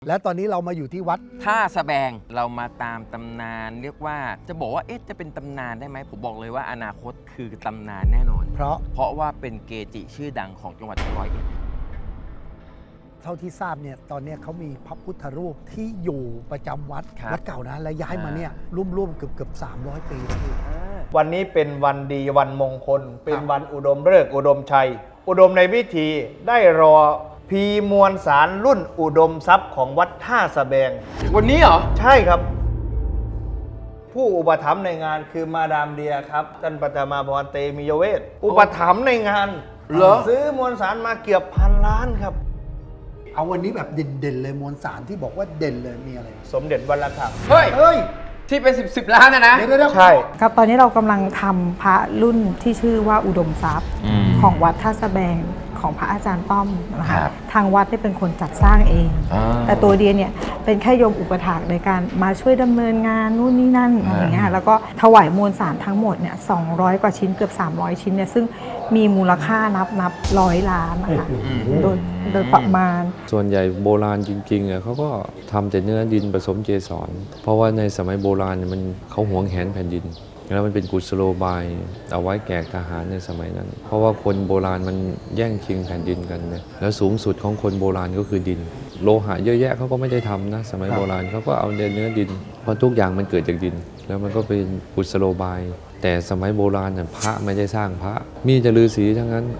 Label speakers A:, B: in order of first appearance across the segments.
A: และตอนนี้เรามาอยู่ที่วัด
B: ท่าสะแบงเรามาตามตำนานเรียกว่าจะบอกว่าจะเป็นตำนานได้ไหมผมบอกเลยว่าอนาคตคือตำนานแน่นอนเพราะว่าเป็นเกจิชื่อดังของจังหวัดร้อยเอ็ด
A: เท่าที่ทราบเนี่ยตอนนี้เขามีพระพุทธรูปที่อยู่ประจำวัดเก่านะและย้ายมาเนี่ยร่วมเกือบ300 ปีแล้ว
C: วันนี้เป็นวันดีวันมงคลเป็นวันอุดมฤกษ์อุดมชัยอุดมในพิธีได้รอพีมวลสารรุ่นอุดมทรัพย์ของวัดท่าสะแบง
B: วันนี้เหรอ
C: ใช่ครับผู้อุปถัมภ์ในงานคือมาดามเดียครับท่านปัทมาพรเตมียเวศอุปถัมภ์ในงานซื้อมวลสารมาเกือบ1,000 ล้านครับ
A: เอาวันนี้แบบเด่นเลยมวลสารที่บอกว่าเด่นเลยมีอะไร
C: สมเด็จวัดระฆัง
B: เฮ้ยที่เป็น10 ล้านนะ
C: ใช่
D: ครับตอนนี้เรากำลังทำพระรุ่นที่ชื่อว่าอุดมทรัพย์ของวัดท่าสะแบงของพระอาจารย์ต้อมนะคะทางวัดได้เป็นคนจัดสร้างเองแต่ตัวเดียเนี่ยเป็นแค่โยมอุปถากในการมาช่วยดำเนินงานนู่นนี่นั่นอะไรอย่างเงี้ยแล้วก็ถวายมวลสารทั้งหมดเนี่ย200 กว่าชิ้นเกือบ300 ชิ้นเนี่ยซึ่งมีมูลค่านับ100 ล้านนะคะโดยประมาณ
E: ส่วนใหญ่โบราณจริงๆเขาก็ทำแต่เนื้อดินผสมเกสรเพราะว่าในสมัยโบราณมันเขาหวงแหนแผ่นดินแล้วมันเป็นกุศโลบายเอาไว้แก่ทหารในสมัยนั้นเพราะว่าคนโบราณมันแย่งชิงแผ่นดินกันเนี่ยแล้วสูงสุดของคนโบราณก็คือดินโลหะเยอะแยะเขาก็ไม่ได้ทำนะสมัยโบราณเขาก็เอาเนื้อดินเพราะทุกอย่างมันเกิดจากดินแล้วมันก็เป็นกุศโลบายแต่สมัยโบราณพระไม่ได้สร้างพระมีแต่ฤาษีทั้งนั้น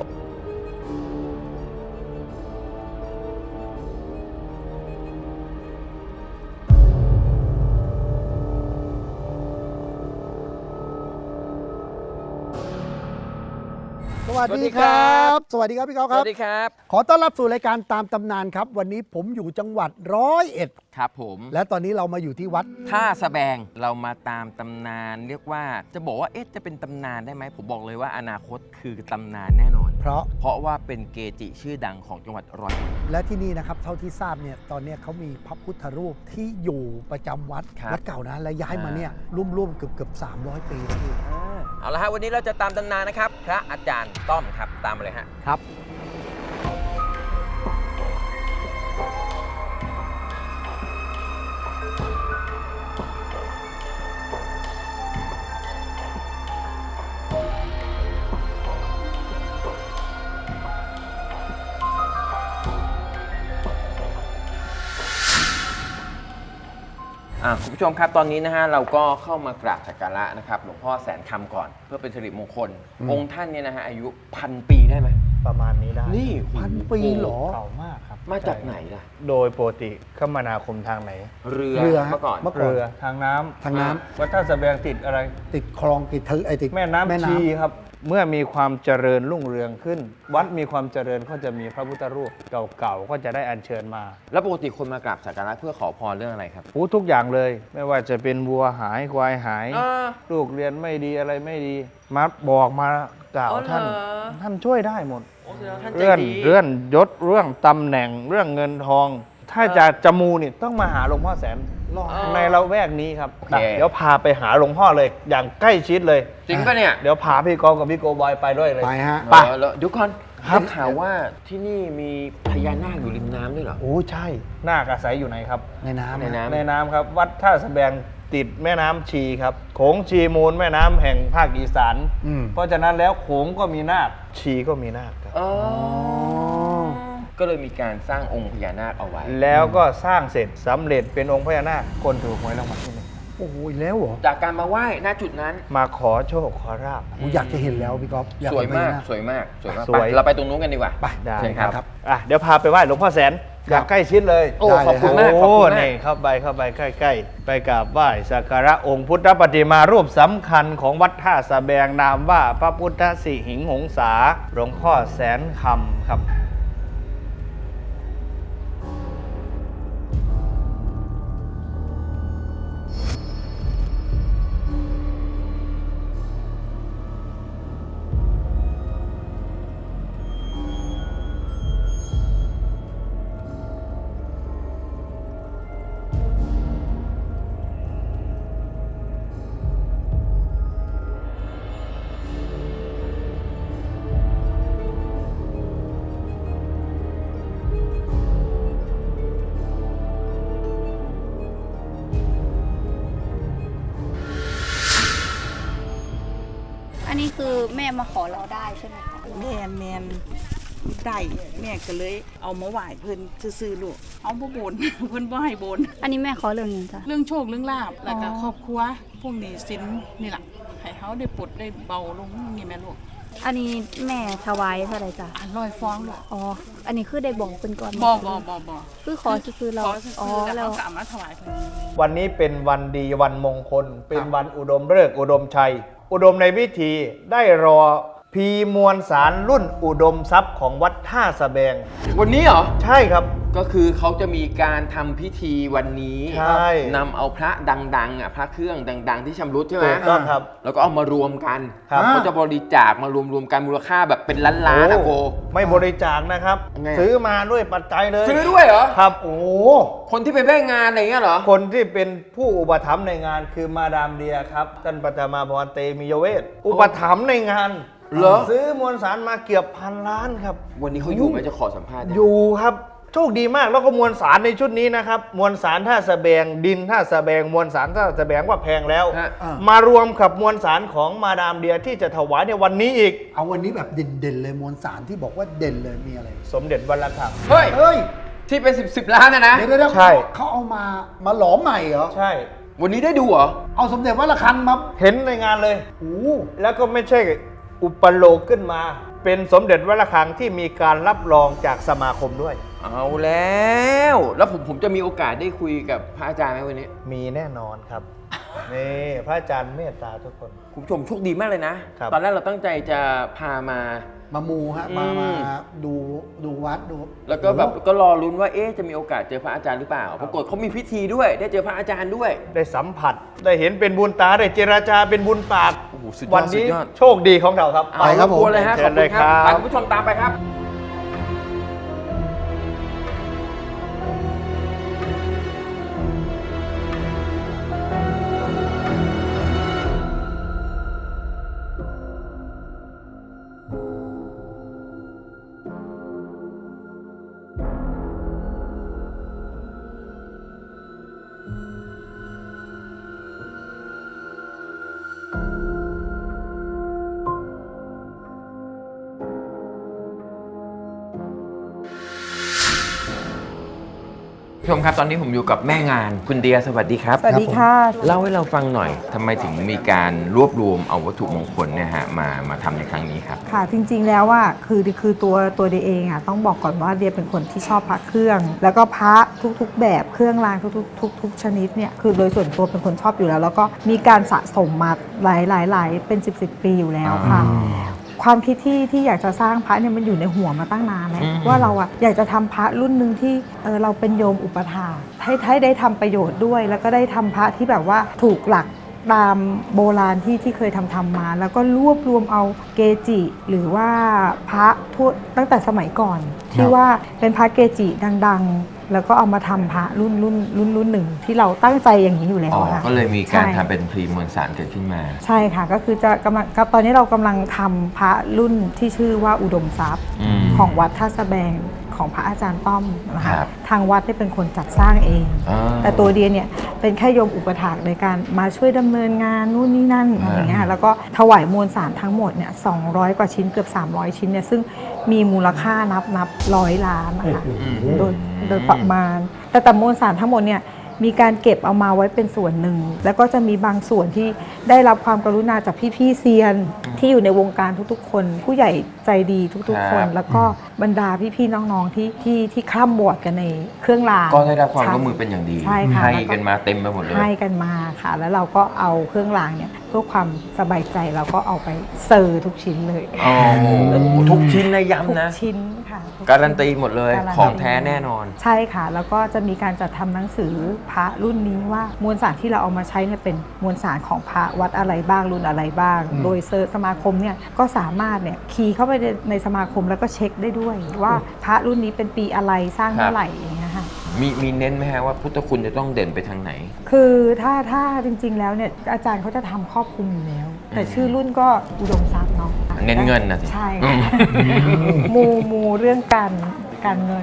A: สวัสดีครับสวัสดีครับพี่ก๊อฟครับ
B: สวัสดีครับ
A: ขอต้อนรับสู่รายการตามตำนานครับวันนี้ผมอยู่จังหวัด101
B: ครับผม
A: และตอนนี้เรามาอยู่ที่วัด
B: ท่าสะแบงเรามาตามตำนานเรียกว่าจะบอกว่าจะเป็นตำนานได้ไหมผมบอกเลยว่าอนาคตคือตำนานแน่นอนเพราะว่าเป็นเกจิชื่อดังของจังหวัดร้อยเอ็ด
A: และที่นี่นะครับเท่าที่ทราบเนี่ยตอนนี้เขามีพระพุทธรูปที่อยู่ประจำวัดเก่านะและย้ายมาเนี่ยร่วมเกือบ300 ปีแล้ว
B: เอาละฮะวันนี้เราจะตามตำนานนะครับพระอาจารย์ต้อมครับตามมาเลยฮะ
A: ครับ
B: คุณผู้ชมครับตอนนี้นะฮะเราก็เข้ามากราบสักการะนะครับหลวงพ่อแสนคำก่อนเพื่อเป็นสิริมงคลองค์ท่านเนี่ยนะฮะอายุ1,000 ปีได้ไหม
C: ประมาณนี้ได้
B: นี่
A: 1,000 ปีเหรอ
C: เก่ามากครับ
B: มาจากไหนล่ะ
C: โดยปกติคมนาคมทางไหน
B: เรือเมื่อก่อน
C: เรือทางน้ำวัดท่าสะแบงติดอะไร
A: ติดคลองติด
C: แม่น้ำชีครับเมื่อมีความเจริญรุ่งเรืองขึ้นวัดมีความเจริญก็จะมีพระพุทธรูปเก่าๆก็จะได้อัญเชิญมา
B: แล้วปกติคนมากราบสักการะเพื่อขอพรเรื่องอะไรครับ
C: ทุกอย่างเลยไม่ว่าจะเป็นวัวหายควายหายลูกเรียนไม่ดีอะไรไม่ดีมาบอกมากล่าวท่านช่วยได้หมดเรื่องยศเรื่องตำแหน่งเรื่องเงินทองถ้าจะมูนี่ต้องมาหาหลวงพ่อแสนในละแวกนี้ครับเดี๋ยวพาไปหาหลวงพ่อเลยอย่างใกล้ชิดเลย
B: จริงปะเนี่ย
C: เดี๋ยวพาพี่กองกับพี่โกบอยไปด้วยเลย
A: ไปฮะ
B: ไปเดี๋ยวก่อนได้ข่าวว่าที่นี่มีพญานาคอยู่ริมน้ำด้วยเหรอ
C: โอ้ใช่นาคอาศัยอยู่ไหนครับ
A: ใน
C: น้ำครับวัดท่าสะแบงติดแม่น้ำชีครับโขงชีมูลแม่น้ำแห่งภาคอีสานเพราะฉะนั้นแล้วโขงก็มีนาคชีก็มีนาคครับ
B: ก็เลยมีการสร้างองค์พญานาคเอาไว้
C: แล้วก็สร้างเสร็จสำเร็จเป็นองค์พญานาคคนถูกหวยรางวัลที่ 1
A: โอ้โหแล้วเหรอ
B: จากการมาไหว้ณจุดนั้น
C: มาขอโชคขอราบ
A: อยากจะเห็นแล้วพี่ก๊อฟ
B: สวยมากเราไปตรงนู้นกันดีกว่า
C: ไปได้ครับเดี๋ยวพาไปไหว้หลวงพ่อแสนอยากใกล้ชิดเลย
B: โอ้ขอบคุณมาก
C: นี่เข้าไปใกล้ๆไปกราบไหว้สักการะองค์พุทธปฏิมารูปสำคัญของวัดท่าสะแบงนามว่าพระพุทธสิหิงหงสาหลวงพ่อแสนคำครับ
F: อันนี้คือแม่มาขอเราได้ใช่ไหมคะ
G: แม่นได้แม่ก็เลยเอามาไหว้เพิ่นซื่อๆลูกเอาบ่บน เพิ่นบ่ให้บน
F: อันนี้แม่ขอเรื่องหยังจ้ะ
G: เรื่องโชคเรื่องลาบแล้วก็ครอบครัวพวกหนี้สินนี่ล่ะให้เขาได้ปลดได้เบาลงนี่แม่ลูก
F: อันนี้แม่ถวายเท่าไหร่จ้ะ
G: ลอยฟ้องลูก
F: อ๋อ อันนี้คือได้บอกเป็นก่อน
G: บ่
F: คือขอคือเรา
G: ขอซื่อๆแล้ว
F: แล้ว
G: เขาก็เอามาถวายเพิ่น
C: วันนี้เป็นวันดีวันมงคล เป็นวันอุดมฤกษ์อุดมชัย อุดมในพิธีได้รอพีมวลสารรุ่นอุดมทรัพย์ของวัดท่าสะแบง
B: วันนี้เหรอ
C: ใช่ครับ
B: ก็คือเขาจะมีการทำพิธีวันนี้
C: ใช่
B: นำเอาพระดังๆอ่ะพระเครื่องดัง ๆ ที่ชำรุดใช่ไหม
C: ถูกต้องครับ
B: แล้วก็เอามารวมกัน
C: ครับ
B: เขาจะบริจาคมารวมๆกันมูลค่าแบบเป็นล้านๆนะโก
C: ไม่บริจาคนะครับ
B: ไง
C: ซื้อมาด้วยปัจจัยเลย
B: ซื้อด้วยเหรอ
C: ครับ โอ้
B: คนที่เป็นแม่งานอะไรเงี้ยเหรอ
C: คนที่เป็นผู้อุปถัมภ์ในงานคือมาดามเดียครับท่านปัทมาพรเตมียเวศอุปถัมภ์ในงาน
B: เหรอ
C: ซื้อมวลสารมาเกือบพันล้านครับ
B: วันนี้เขาอยู่ไหมจะขอสัมภาษณ์เนี่ย
C: อยู่ครับโชคดีมากแล้วก็มวลสารในชุดนี้นะครับมวลสารท่าสะแบงดินท่าสะแบงมวลสารท่าสะแบงว่าแพงแล้ว
B: ฮะ
C: มารวมกับมวลสารของมาดามเดียที่จะถวายในวันนี้อีก
A: เอาวันนี้แบบเด่นๆเลยมวลสารที่บอกว่าเด่นเลยมีอะไร
C: สมเด็จวัดระฆัง
B: เฮ้ย
A: เฮ้ย
B: ที่เป็น10 ล้านนะ
A: เดี๋ยว
C: ใช่
A: เขาเอามาหลอมใหม่เหรอ
C: ใช่
B: วันนี้ได้ดูเหรอ
A: เอาสมเด็จวัดระฆังมา
C: เห็นในงานเลย
A: โอ้โห
C: แล้วก็ไม่ใช่อุปโลกขึ้นมา เป็นสมเด็จวัดระฆังที่มีการรับรองจากสมาคมด้วย
B: เอาแล้ว แล้วผมจะมีโอกาสได้คุยกับพระอาจารย์ไหมวันนี้
C: มีแน่นอนครับ นี่พระอาจารย์เมตตาทุกคน
B: คุณผู้ชมโชคดีมากเลยนะ
C: ครับ
B: ตอนแรกเราตั้งใจจะพามา
A: มามูฮะมาดูวัดดู
B: แล้วก็แบบก็รอลุ้นว่าจะมีโอกาสเจอพระอาจารย์หรือเปล่า ปรากฏเขามีพิธีด้วย ได้เจอพระอาจารย์ด้วย
C: ได้สัมผัส ได้เห็นเป็นบุญตา ได้เจราจาเป็นบุญปาก
B: โอ้โหสุดยอด
C: วันนี้
B: สุดยอด
C: โชคดีของเราครับ
A: ไปครับผม
B: กวนเลยฮะ
C: เชิ
B: ขอบ
C: ญ
B: คุ
C: เล
B: ณ
C: ย
B: ครับ
C: ครับ
B: ไปคุณผู้ชมตามไปครับ ผู้ชมครับตอนนี้ผมอยู่กับแม่งานคุณเดียสวัสดีครับ
D: สวัสดีค่ะ
B: เล่าให้เราฟังหน่อยทำไมถึงมีการรวบรวมเอาวัตถุมงคลเนี่ยฮะมาทำในครั้งนี้ครับ
D: ค่ะจริงๆแล้วว่าคือตัวเดียเองอ่ะต้องบอกก่อนว่าเดียเป็นคนที่ชอบพระเครื่อง แล้วก็พระทุกๆแบบเครื่องรางทุกชนิดเนี่ยคือโดยส่วนตัวเป็นคนชอบอยู่แล้ว แล้วก็มีการสะสมมาหลายเป็น10ปีอยู่แล้วค่ะ ความคิดที่อยากจะสร้างพระเนี่ยมันอยู่ในหัวมาตั้งนานแล้วว่าเราอะอยากจะทำพระรุ่นหนึ่งที่เราเป็นโยมอุปถากให้ได้ทำประโยชน์ด้วย แล้วก็ได้ทำพระที่แบบว่าถูกหลักตามโบราณที่เคยทำมา แล้วก็รวบรวมเอาเกจิ หรือว่าพระทั่วตั้งแต่สมัยก่อน ที่ว่าเป็นพระเกจิดังๆ แล้วก็เอามาทำพระรุ่นหนึ่งที่เราตั้งใจอย่างนี้อยู่แล้วค่ะ
B: ก็เลยมีการ
D: ใช่
B: ทำเป็นพรีมวลสารเกิดขึ้นมา
D: ใช่ค่ะก็คือจะกำลังตอนนี้เรากำลังทำพระรุ่นที่ชื่อว่าอุดมทรัพย์ ของวัดท่าสะแบงของพระอาจารย์ต้อมนะ
B: ครั
D: คะ
B: บ
D: ทางวัดได้เป็นคนจัดสร้างเอง แต่ตัวเดียเนี่ยเป็นแค่โยมอุปถากในการมาช่วยดำเนินงานนู่นนี่นั่นอะไรอย่างเงี้ยค่ะแล้วก็ถวายมวลสารทั้งหมดเนี่ย200 กว่าชิ้นเกือบ300 ชิ้นเนี่ยซึ่งมีมูลค่านับ100 ล้านนะคะโดยประมาณแต่มวลสารทั้งหมดเนี่ยมีการเก็บเอามาไว้เป็นส่วนหนึ่งแล้วก็จะมีบางส่วนที่ได้รับความกรุณาจากพี่ๆเซียนที่อยู่ในวงการทุกๆ คน ผู้ใหญ่ใจดีทุกๆ คน แล้วก็บรรดาพี่ๆน้องๆที่คล่ำบวชกันในเครื่องราง
B: ก็ได้รับความร่วมมือเป็นอย่างดี
D: ใช่ค่ะ
B: ให้กันมาเต็มไปหมดเลย
D: ให้กันมาค่ะ แล้วเราก็เอาเครื่องรางเนี่ยเพื่อความสบายใจเราก็เอาไปเซอร์ทุกชิ้นเลย
B: อ๋อทุกชิ้นนะ
D: ทุก
B: ย้ำนะ
D: ชิ้นค่ะทุกชิ้น
B: การันตีหมดเลย
D: การันตี
B: ของแท้แน่นอน
D: ใช่ค่ะ แล้วก็จะมีการจัดทำหนังสือพระรุ่นนี้ว่ามวลสารที่เราเอามาใช้เนี่ยเป็นมวลสารของพระวัดอะไรบ้างรุ่นอะไรบ้าง โดยเซอร์สมาคมเนี่ยก็สามารถเนี่ยคีย์เข้าไปในสมาคมแล้วก็เช็คได้ด้วย ว่าพระรุ่นนี้เป็นปีอะไรสร้างเมื่อไหร่อย่างเงี้ยค่ะ
B: มีเน้นไหมฮะว่าพุทธคุณจะต้องเด่นไปทางไหน
D: คือถ้าจริงๆแล้วเนี่ยอาจารย์เขาจะทำครอบคลุมอยู่แล้ว แต่ชื่อรุ่นก็อุดมทรัพย์เนาะ
B: เน้นเงินนะสิ
D: ใช่ค่ะมูเรื่องการเงิน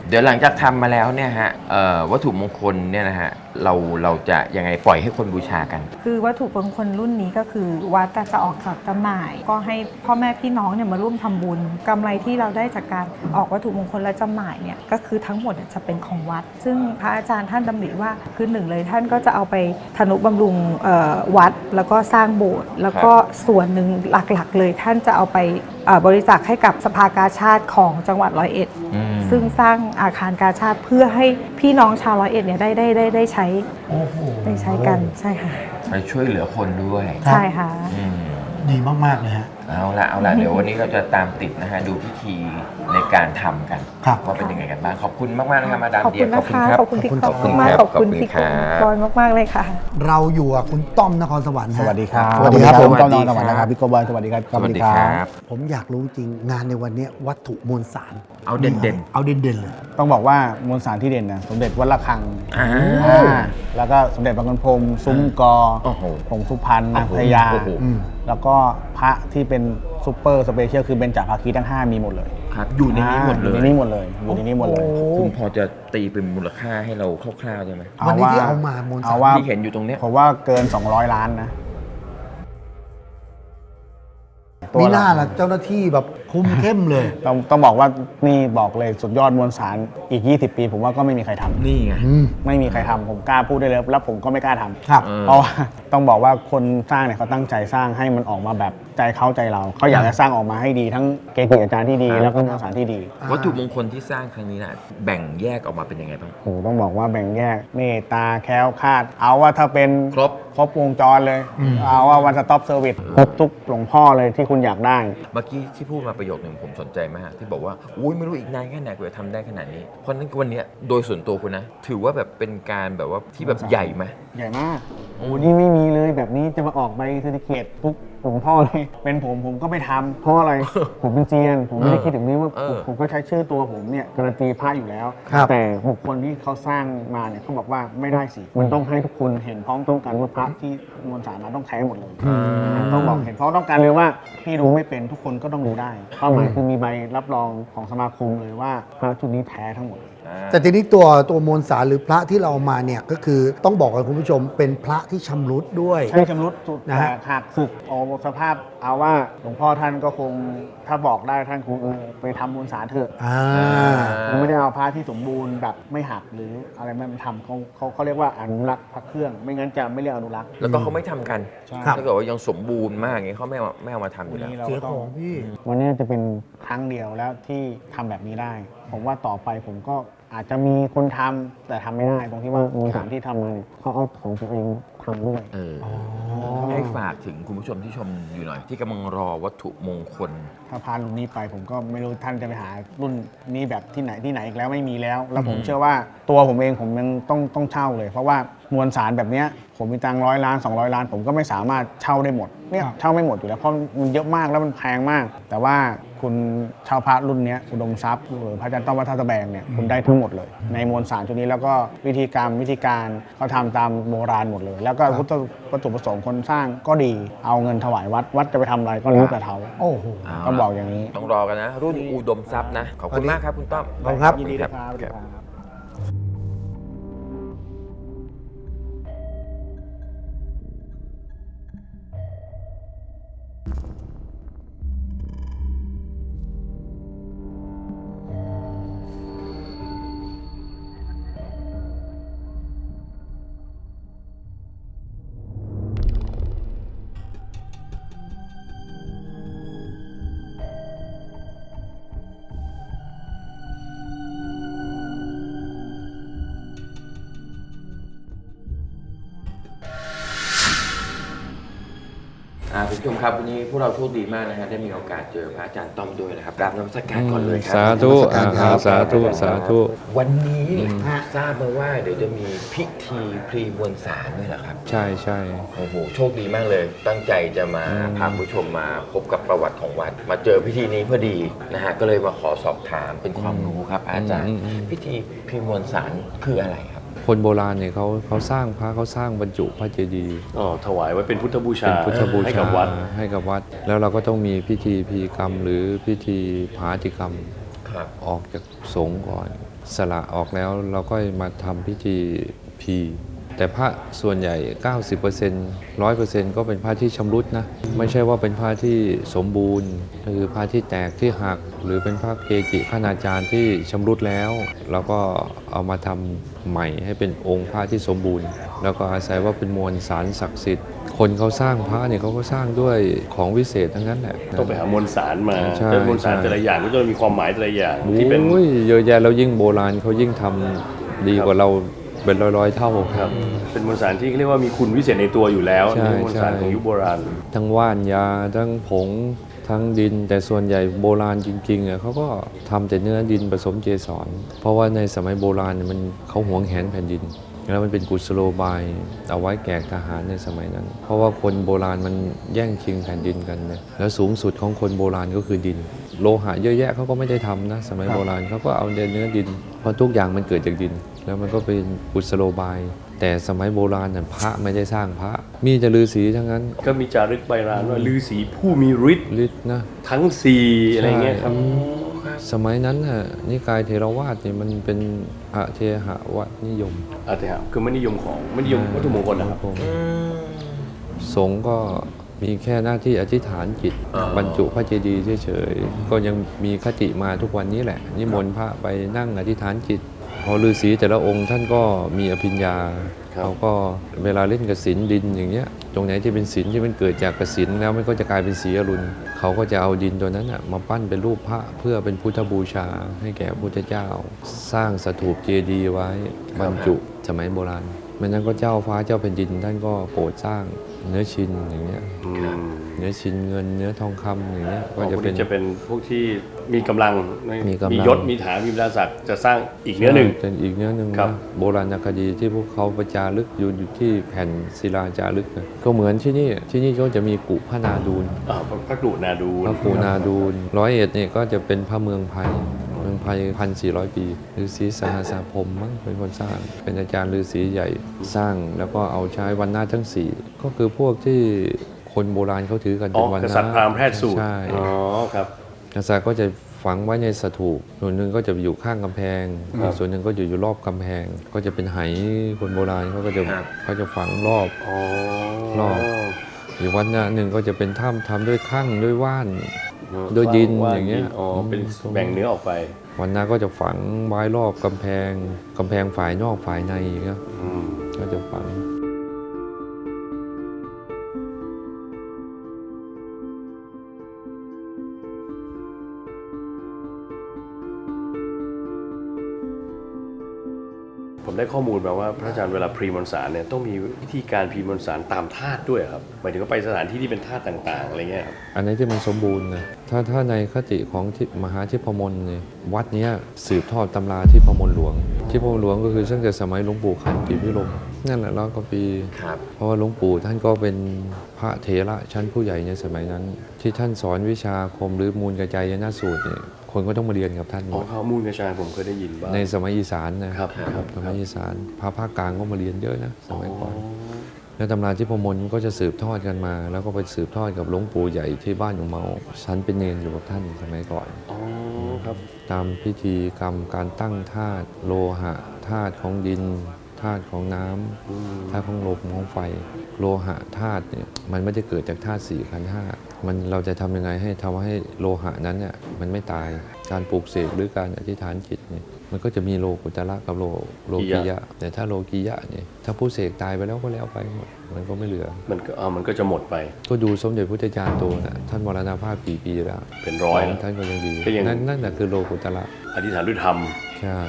B: เดี๋ยวหลังจากทำมาแล้วเนี่ยฮะวัตถุมงคลเนี่ยนะฮะเราจะยังไงปล่อยให้คนบูชากัน
D: คือวัตถุมงคลรุ่นนี้ก็คือวัดจะออกจากจำหน่าย ก็ให้พ่อแม่พี่น้องเนี่ยมาร่วมทำบุญกำไรที่เราได้จากการออกวัตถุมงคลและจำหน่ายเนี่ยก็คือทั้งหมดจะเป็นของวัด ซึ่งพระอาจารย์ท่านดำริว่าคือหนึ่งเลยท่านก็จะเอาไปทนุบำรุงวัดแล้วก็สร้างโบสถ์แล้วก็ส่วนหนึ่งหลักๆเลยท่านจะเอาไปบริจาคให้กับสภากาชาดของจังหวัดร้อยเอ็ดซึ่งสร้างอาคารกาชาดเพื่อให้พี่น้องชาวร้อยเอ็ดเนี่ยได้ใช้ได้ใช้กันใช่ค่ะ
B: ไปช่วยเหลือคนด้วย
D: ใช่ค่ะ
A: ดีมากๆเลยฮะ
B: เอาละเดี๋ยววันนี้เราจะตามติดนะฮะดูพิธีในการทำกัน
A: ครับ
B: ว่าเป็นยังไงกันบ้างขอบคุณมากๆนะครับมาดาม
D: ขอบ
B: เดี
D: คุ
B: ย
D: ณนะคะ
B: รับ
D: ขอบคุณพี่
B: ขอบคุณ
D: มาก
B: ครับ
D: ขอบคุณพี่
B: ขอบคุณครับ
D: บอยมากๆเลยค่ะ
A: เราอยู่กับคุณต้อมนครสวรรค์ฮะ
H: สวัสดีครับ
A: สวัสดีครับ
H: ผม
B: สวั
H: ต้อ
B: ส
H: ม
B: ดี
H: นอน
B: ครับ
H: สวัสดีครับพี่โกบอยสวัสดีครับ
B: สวัสดีครับ
A: ผมอยากรู้จริงงานในวันนี้วัตถุมวลสาร
B: เอาเด่นๆ
A: เอาเด่นๆเลย
H: ต้องบอกว่ามวลสารที่เด่นนะสมเด็จวัดระฆัง
B: อ่า
H: แล้วก็สมเด็จพระคุณพรหมซุ้มกอ
B: โอ้โห
H: ผงสุพรรณนางพญา
B: โอ้โห
H: แล้วก็พระที่เป็นซูเปอร์สเปเชียลคือเบญจภาคีทั้ง 5 มีหมดเลย
B: ครับอยู่ในนี้หมดเล
H: อยู่
B: ย
H: ในนี้หมดเลยอยู่ในนี้หมดเลย
B: คุณพอจะตีเป็นมูลค่าให้เราคร่าวๆได้ไหม
A: วันนี้ที่เอามามวลสาร
H: เอาว่า
B: ที่เห็นอยู่ตรงเนี้ย
H: ผมว่าเกิน 200 ล้านนะ
A: มีหน้าละเจ้าหน้าที่แบบคุมเข้มเลย
H: ต้องบอกว่านี่บอกเลยสุดยอดมวลสารอีก 20 ปี ผมว่าก็ไม่มีใครทำ
B: นี่ไง
H: ไม่มีใครทำผมกล้าพูดได้เลยแล้วผมก็ไม่กล้าทำ
A: ครับ
H: เพราะว่าต้องบอกว่าคนสร้างเนี่ยเขาตั้งใจสร้างให้มันออกมาแบบใจเขาใจเราเขาอยากจะสร้างออกมาให้ดีทั้งเกจิอาจารย์ที่ดี แล้วก็มวลสารที่ดี
B: วัตถุมงคลที่สร้างครั้งนี้นะแบ่งแยกออกมาเป็นยังไงบ้าง
H: โอ้โหต้องบอกว่าแบ่งแยกเมตตาแคล้วคลาด เอาว่าถ้าเป็น
B: ครบ
H: วงจรเลย เอาว่าวันสต็อปเซอร์วิสครบทุกหลวงพ่อเลยที่คุณอยากได้
B: เมื่อกี้ที่พูดมาประโยคหนึ่งผมสนใจมากที่บอกว่าอุ้ยไม่รู้อีกนานแค่ไหนกว่าจะทำได้ขนาดนี้ เพราะฉะนั้นวันเนี้ยโดยส่วนตัวคุณนะ ถือว่าแบบเป็นการแบบว่าที่แบบใหญ่ไหม
H: ใหญ่มากโอ้นี่ไม่มีเลยแบบนี้จะมาออกใบเซอร์ติฟิเคตทุกหลวงพ่อเลยเป็นผมก็ไม่ทำเพราะอะไร ผมเป็นเซียนผมไม่ได้คิดถึงนี้ว่าผมก็ใช้ชื่อตัวผมเนี่ยการันตีพระอยู่แล้ว
A: ครับ
H: แต่บุคคลที่เขาสร้างมาเนี่ยเขาบอกว่าไม่ได้สิมันต้องให้ทุกคนเห็นพ้องต้องกันว่าพระที่มวลสารนั้นต้องแท้หมดเลยต้องบอกเห็นพ้องต้องกันเลยว่าที่รู้ไม่เป็นทุกคนก็ต้องรู้ได้เป้าหมายคือมีใบรับรองของสมาคมเลยว่าพระชุดนี้แท้ทั้งหมด
A: แต่ทีนี้ตัวมวลสารหรือพระที่เราเอามาเนี่ยก็คือต้องบอกกับคุณผู้ชมเป็นพระที่ชำรุดด้วย
H: ใช่ชำรุดสุด
A: นะฮะ
H: หากสึกเอาสภาพเอาว่าหลวงพ่อท่านก็คงถ้าบอกได้ท่านคงไปทำมวลสารเถอะ ไม่ได้เอาพระที่สมบูรณ์แบบไม่หักหรืออะไรไม่ทำเขาเรียกว่าอนุรักษ์พระเครื่อง ไม่งั้นจะไม่เรียกอนุรักษ์
B: แล้วก็เขาไม่ทำกัน
H: ใช่
B: ถ้าเกิดว่ายังสมบูรณ์มากอย่างนี้เขาไม่เอามาทำอยู่แล้ว
A: เสียของพี่
H: วันนี้จะเป็นครั้งเดียวแล้วที่ทำแบบนี้ได้ ผมว่าต่อไปผมก็อาจจะมีคนทำแต่ทำไม่ได้ตรงที่ว่ามวลสารที่ทำมาเนี่ยเขาเอาของตัวเองทำด้วย
B: ให้ฝากถึงคุณผู้ชมที่ชมอยู่หน่อย ที่กำลังรอวัตถุมงคล
H: ถ้าพารุ่นนี้ไปผมก็ไม่รู้ท่านจะไปหารุ่นนี้แบบที่ไหนอีกแล้วไม่มีแล้ว แล้วผมเชื่อว่าตัวผมเองผมยังต้องเช่าเลย เพราะว่ามวลสารแบบเนี้ยผมมีตังค์100 ล้าน200 ล้าน ผมก็ไม่สามารถเช่าได้หมดเนี่ยเช่าไม่หมดอยู่แล้วเพราะมันเยอะมากแล้วมันแพงมาก แต่ว่าคุณเช่าพระรุ่นเนี้ยอุดมทรัพย์หรือพระอาจารย์ต้อมวัดท่าตะแบงเนี่ยคุณได้ทั้งหมดเลย ในมวลสารชุดนี้แล้วก็วิธีการเขาทำตามโบราณหมดเลย แล้วก็วัตถุประสงค์คนสร้างก็ดีเอาเงินถวายวัดจะไปทำอะไรก็รู้แต่เขา
A: โอ้โห
H: ต้องบอกอย่างนี้
B: ต้องรอกันนะ รุ่นอุดมทรัพย์นะ ขอบคุณมากครับคุณต้อม
A: ขอบคุณครับ
H: ยินดี
B: ค
H: ค
B: รั
H: รับ บ
B: คุณผู้ชมครับวันนี้พวกเราโชคดีมากนะฮะได้มีโอกาสเจอพระอาจารย์ต้อมด้วยนะครับกราบนมัสการก่อนเลยครั
E: สาธุ
A: นมัสการครับ
E: สาธุสาธุ
B: วันนี้ทราบมาว่าเดี๋ยวจะมีพิธีพรีมวลสารด้วยเหรอครับ
E: ใช่ใช่
B: โอ้โหโชคดีมากเลย ตั้งใจจะมาพาผู้ชมมาพบกับประวัติของวัด มาเจอพิธีนี้พอดีนะฮะก็เลยมาขอสอบถามเป็นความรู้ครับอาจารย์ พิธีพรีมวลสารคืออะไรครับ
E: คนโบราณเนี่ยเขาสร้างพระเขาสร้างบรรจุพระเจดีย์
I: ถวายไว้เป็นพุทธบูชา
E: เป็นพุทธบู
I: ให้
E: ชา
I: กับวัด
E: ให้กับวัด แล้วเราก็ต้องมีพิธีพีกรรมหรือพิธีผาติกรรม
B: ครับ
E: ออกจากสงฆ์ก่อนสละออกแล้วเราก็มาทำพิธีพีแต่พระส่วนใหญ่ 90% 100% ก็เป็นพระที่ชำรุดนะไม่ใช่ว่าเป็นพระที่สมบูรณ์คือพระที่แตกที่หักหรือเป็นพระเกจิคณาจารย์ที่ชำรุดแล้วเราก็เอามาทำใหม่ให้เป็นองค์พระที่สมบูรณ์ แล้วก็อาศัยว่าเป็นมวลสารศักดิ์สิทธิ์คนเขาสร้างพระเนี่ยเขาก็สร้างด้วยของวิเศษทั้งนั้นแหละ
I: ต้องไปหามวลสารมา
E: ใช่
I: แต่มวลสารแต่ละอย่างก็จะมีความหมายแต่ละอย่างที่เป็น
E: โอ้ยเยอะแยะแล้วยิ่งโบราณเขายิ่งทำดีกว่าเราเป็นร้อยๆเท่า
I: ครับเป็นมวลสารที่เรียกว่ามีคุณวิเศษในตัวอยู่แล้ว
E: ใช่
I: นี่มวลสาร
E: ใช่
I: ของยุคโบราณ
E: ทั้งว่านยาทั้งผงทั้งดิน แต่ส่วนใหญ่โบราณจริงๆเขาก็ทำแต่เนื้อดินผสมเกสรเพราะว่าในสมัยโบราณมันเขาหวงแหนแผ่นดินแล้วมันเป็นกุศโลบายเอาไว้แก่ทหารในสมัยนั้น เพราะว่าคนโบราณมันแย่งชิงแผ่นดินกันเนี่ยแล้วสูงสุดของคนโบราณก็คือดิน โลหะเยอะแยะเขาก็ไม่ได้ทำนะสมัยโบราณเขาก็เอาเนื้อดินเพราะทุกอย่างมันเกิดจากดิน แล้วมันก็เป็นกุศโลบาย แต่สมัยโบราณน่ะพระไม่ได้สร้างพระมีแต่ฤาษีทั้งนั้น
I: ก็มีจารึกใบลานว่าฤาษีผู้มีฤทธิ์
E: ฤทธิ์นะ
I: ทั้งสี่อะไรเงี้ยครับ
E: สมัยนั้นน่ะนิกายเทรวาสเนี่ยมันเป็นอเทหะวัตนิยม
I: อาติหะคือไม่นิยมวัตถุมงคลนะครับ
E: สงฆ์ก็มีแค่หน้าที่อธิษฐานจิต บรรจุพระเจดีย์เฉยๆก็ยังมีคติมาทุกวันนี้แหละนิมนต์พระไปนั่งอธิษฐานจิตพอฤาษีแต่ละองค์ท่านก็มีอภิญญาเขาก็เวลาเล่นกสิณดินอย่างเงี้ยตรงไหนที่เป็นศิลที่มันเกิดจากกสิณแล้วมันก็จะกลายเป็นสีอรุณเขาก็จะเอาดินตัวนั้นมาปั้นเป็นรูปพระเพื่อเป็นพุทธบูชาให้แก่พระพุทธเจ้า สร้างสถูปเจดีย์ไว้บรรจุสมัยโบราณไม่นั้นก็เจ้าฟ้าเจ้าแผ่นดินท่านก็โปรดสร้างเนื้อชินอย่างเงี้ยเนื้อชินเงินเนื้อทองคำอย่างเงี้ยก็จะเป็น
I: พวกที่มีกำลัง
E: มี
I: ยศมีฐานมีบรรดาศักดิ์จะสร้างอีกเนื้อหนึ่ง
E: เป็นอีกเนื้อหนึ่ง
I: ครับ
E: นะโบราณคดีที่พวกเขาประจารึกอยู่ที่แผ่นศิลาจารึกนะก็เหมือนที่นี่ก็จะมีกุพระนาดูล
I: พระกรุนาดูล
E: พระกุนาดูล101เนี่ยก็จะเป็นพระเมืองไผ่1,400 ปีฤาษีสหสาพรหมมั้งเป็นคนสร้างเป็นอาจารย์ฤาษีใหญ่สร้างแล้วก็เอาใช้วันนาทั้ง4ก็คือพวกที่คนโบราณเขาถือกันเป็นวัน
I: ก
E: นา
I: ษัตริย์พราหมณ์แพทย์สูตร
E: ใช่
I: ครับ
E: กษัตริย์ก็จะฝังไว้ในสถูปส่วนหนึ่งก็จะอยู่ข้างกำแพง ส่วนหนึ่งก็อยู่รอบกำแพง ก็จะเป็นไหคนโบราณเขาจะฝังรอบอีกวัดหนึ่งก็จะเป็นถ้ำทำด้วยข้างด้วยว่านด้วยดินอย่างเงี้ย
I: เป็นแบ่งเนื้อออกไป
E: วันหน้าก็จะฝังไว้รอบกำแพงฝ่ายนอกฝ่ายในครับก็จะฝัง
I: ผมได้ข้อมูลมาว่าพระอาจารย์เวลาพรีมนสารเนี่ยต้องมีวิธีการพรีมนสารตามธาตุด้วยครับหมายถึงว่าไปสถานที่ที่เป็นธาตุต่างๆอะไรเงี้ยครับ
E: อันนี้ที่มันสมบูรณ์นะถ้าในคติของมหาทิพมลเนี่ยวัดเนี้ยสืบทอดตำราทิพมลหลวงทิพมลหลวงก็คือตั้งแต่สมัยหลวงปู่ขันติพิรมนั่นแหละ100 กว่าปีเพราะว่าหลวงปู่ท่านก็เป็นพระเถระชั้นผู้ใหญ่ในสมัยนั้น ที่ท่านสอนวิชาคมหรือมูลกระจายนาสูตรเนี่ยคนก็ต้องมาเรียนกับท่านหมด
I: ข้อมูลกระจายผมเคยได้ยินบ้าง
E: ในสมัยอีสานนะครับ สมัยอีสานพระภาคกลางก็มาเรียนเยอะนะสมัยก่อนแล้วตำราทิพมลก็จะสืบทอดกันมา แล้วก็ไปสืบทอดกับหลวงปู่ใหญ่ที่บ้านของเมาฉันเป็นเนรอยู่กับท่านสมัยก่อนตามพิธีกรรมการตั้งธาตุโลหะธาตุของดินธาตุของน้ำธาตุของลมของไฟโลหะธาตุเนี่ยมันไม่ได้เกิดจากธาตุ4 ขันธ์ 5มันเราจะทำยังไงให้ทำให้โลหะนั้นเนี่ยมันไม่ตายการปลูกเสกหรือการอธิษฐานจิตเนี่ยมันก็จะมีโลกุตระกับโลกิยะแต่ถ้าโลกิยะเนี่ยถ้าผู้เสกตายไปแล้วก็แล้วไปหมดมันก็ไม่เหลือ
I: มันก็จะหมดไป
E: ก็ดูสมเด็จพุทธจารย์โตนะท่านมรณภาพกี่ปีแล้ว
I: เป็นร้อยแล้ว
E: ท่านก็ยังดีนั่นแหละคือโลกุตระ
I: อธิษฐานด้วยธรรม
E: ใช่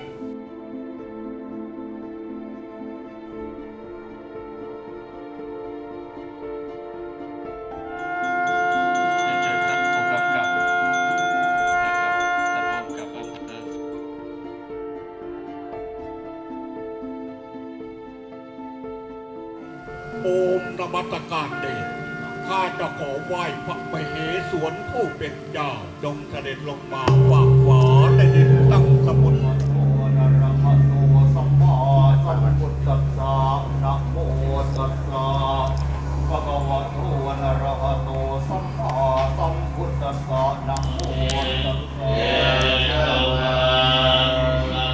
J: โอมนมัสการเดชข้าจะขอไหว้พระมเหสวนผู้เป็นเจ้าจงเสด็จลงมาฝากฟ้าในดินตั้งสมุทรนะโมตัสสะนะโมตัสสะภะคะวะโตอะระหะโตสัมมาสัมพุทธัสสะนะโมตัสสะ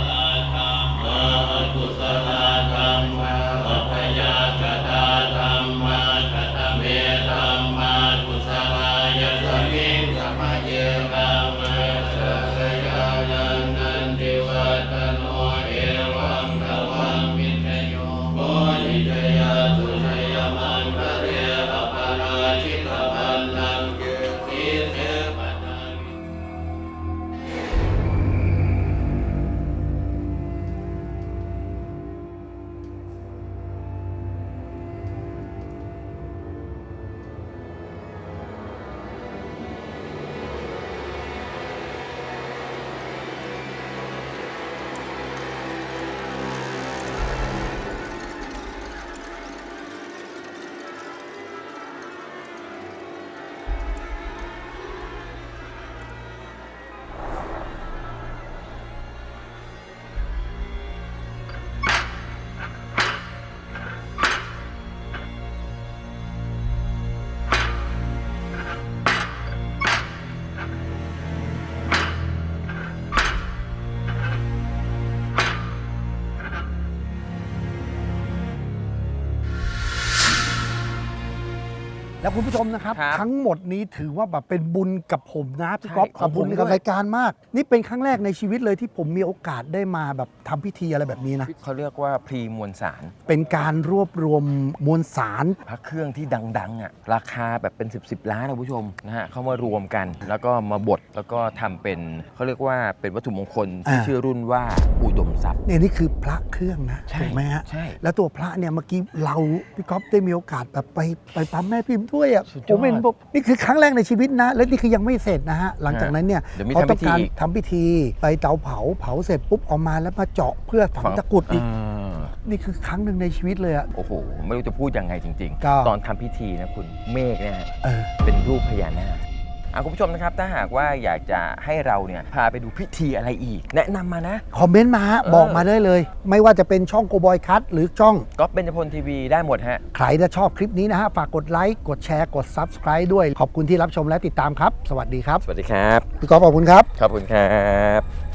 A: แล้วคุณผู้ชมนะครับ
B: ครับ
A: ทั้งหมดนี้ถือว่าแบบเป็นบุญกับผมนะพี่
B: ใช่
A: ก๊อฟ
B: ของ
A: กับบุญ
B: ผม
A: กับ
B: ด้วย
A: รายการมาก นี่เป็นครั้งแรกในชีวิตเลยที่ผมมีโอกาสได้มาแบบทำพิธีอะไรแบบนี้นะ
B: เขาเรียกว่าพรีมวลสาร
A: เป็นการรวบรวมมวลสาร
B: พระเครื่องที่ดังๆอ่ะราคาแบบเป็น 10 ล้านนะคุณผู้ชมนะฮะเขามารวมกัน แล้วก็มาบดแล้วก็ทำเป็นเขาเรียกว่าเป็นวัตถุมงคลที่ชื่อรุ่นว่าอุดมทรัพย์
A: เนี่ยนี่คือพระเครื่องนะ
B: ใช่
A: ถูกไหมฮะ
B: ใช่
A: แล้วตัวพระเนี่ยเมื่อกี้เราพี่ก๊อฟได้มีโอกาสแบบไปปั๊มแม่พิมพ์ด้วยอ่ะ
B: สุดยอด
A: ผมเห็นแบบนี่คือครั้งแรกในชีวิตนะ และนี่คือยังไม่เสร็จนะฮะหลังจากนั้นเนี่ย
B: เดี๋ยวมี
A: เขา
B: ทำพิ
A: ต้อง
B: ธี
A: การ
B: อีก
A: ทำพิธีไปเตาเผาเสร็จปุ๊บเอามาแล้วมาเจาะเพื่อฝังตะกรุดอีก นี่คือครั้งหนึ่งในชีวิตเลยอะ
B: โอ้โห ไม่รู้จะพูดยังไงจริง
A: ก็
B: ตอนทำพิธีนะคุณเมฆเนี่ยฮะ
A: เออ
B: เป็นรูปพญานาคคุณผู้ชมนะครับ ถ้าหากว่าอยากจะให้เราเนี่ยพาไปดูพิธีอะไรอีก แนะนำมานะ
A: คอมเมนต์มาฮะบอกมาได้เลย ไม่ว่าจะเป็นช่องโกบอยคัทหรือช่อง
B: ก็เป็นจพลทีวีได้หมดฮะ
A: ใครที่ชอบคลิปนี้นะฮะ ฝากกดไลค์กดแชร์กด Subscribe ด้วย ขอบคุณที่รับชมและติดตามครับ สวัสดีครับ
B: สวัสดีครับ
A: พี่ก๊อฟขอบคุณครับ
B: ขอบคุณครับ